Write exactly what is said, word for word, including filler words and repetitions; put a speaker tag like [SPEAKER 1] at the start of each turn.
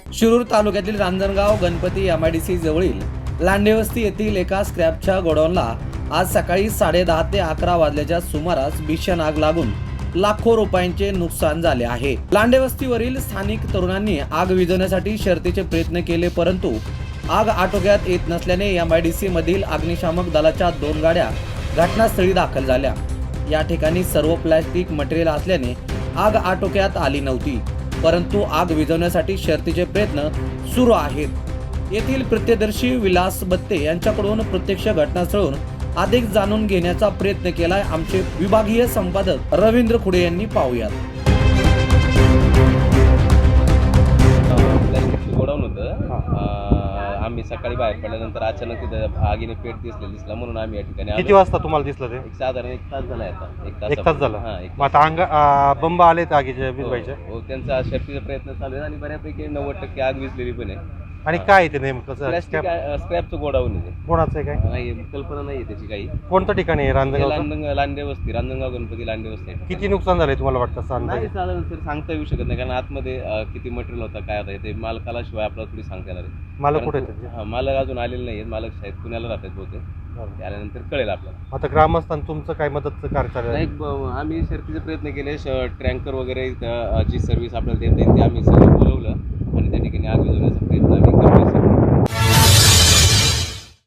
[SPEAKER 1] शिरूर तालुक्यातील Ranjangaon Ganpati M I D C जवळील लांडेवस्ती येथील एका स्क्रॅपच्या गोडाऊनला आज सकाळी साडे दहा ते अकरा वाजल्याच्या सुमारास भीषण आग लागून लाखो रुपयांचे नुकसान झाले आहे. लांडेवस्तीवरील स्थानिक तरुणांनी आग विझवण्यासाठी शर्थीचे प्रयत्न केले, परंतु आग आटोक्यात येत नसल्याने एम आय डी सी मधील अग्निशामक दलाच्या दोन गाड्या घटनास्थळी दाखल झाल्या. या ठिकाणी सर्व प्लॅस्टिक मटेरियल असल्याने आग आटोक्यात आली नव्हती, परंतु आग विझवण्यासाठी शर्थीचे प्रयत्न सुरू आहेत. येथील प्रत्यक्षदर्शी विलास बत्ते यांच्याकडून प्रत्यक्ष घटनास्थळून अधिक जाणून घेण्याचा प्रयत्न केलाय. आमचे विभागीय संपादक रवींद्र खुडे यांनी पाहूयात.
[SPEAKER 2] गोडाऊन होतं. आम्ही सकाळी बाहेर पडल्यानंतर अचानक तिथं आगीने पेट दिसले दिसला म्हणून आम्ही या ठिकाणी
[SPEAKER 3] किती वाजता तुम्हाला दिसलं ते?
[SPEAKER 2] एक साधारण एक तास झाला आता. एक तास
[SPEAKER 3] एक तास झाला.
[SPEAKER 2] हा, एक
[SPEAKER 3] मग आता अंग आ, बंब आले तर आगीचे विझवायचे.
[SPEAKER 2] हो, हो, त्यांचा शर्थीचा प्रयत्न चालू आहे आणि बऱ्यापैकी नव्वद टक्के आग विझलेली पण आहे.
[SPEAKER 3] आणि काय आहे ते नेमकं?
[SPEAKER 2] प्लॅस्टिक स्क्रॅपचं गोडाऊन आहे.
[SPEAKER 3] कोणाचं आहे काय?
[SPEAKER 2] नाही, कल्पना नाही आहे त्याची काही.
[SPEAKER 3] कोणतं ठिकाण आहे? रांजणगाव.
[SPEAKER 2] लांडंग लांडेवस्ती रांजणगाव गणपती लांडेवस्ती.
[SPEAKER 3] किती नुकसान झाले तुम्हाला वाटतं? असं अंदाजे?
[SPEAKER 2] नाही साधारण सर सांगता येऊ शकत नाही, कारण आतमध्ये अं, किती मटेरियल होतं काय होतं ते मालकाला शिवाय आपल्याला थोडी सांगता येणार आहे.
[SPEAKER 3] मला कुठे
[SPEAKER 2] परंतु- हा, मालक अजून आलेले नाही आहेत. मालक शाळेत पुण्याला राहतात बहुतेक. त्यानंतर कळेल आपल्याला.
[SPEAKER 3] आता ग्रामस्थान तुमचं काय मदतचं कार्य चालू आहे?
[SPEAKER 2] नाही, ब- आम्ही शर्थीचे प्रयत्न केले. ट्रँकर वगैरे इथं, अं, जी सर्व्हिस आपल्याला देता येईल ते आम्ही सगळं बोलवलं आणि त्या ठिकाणी आग विझवण्याचा प्रयत्न आम्ही करतोय सर.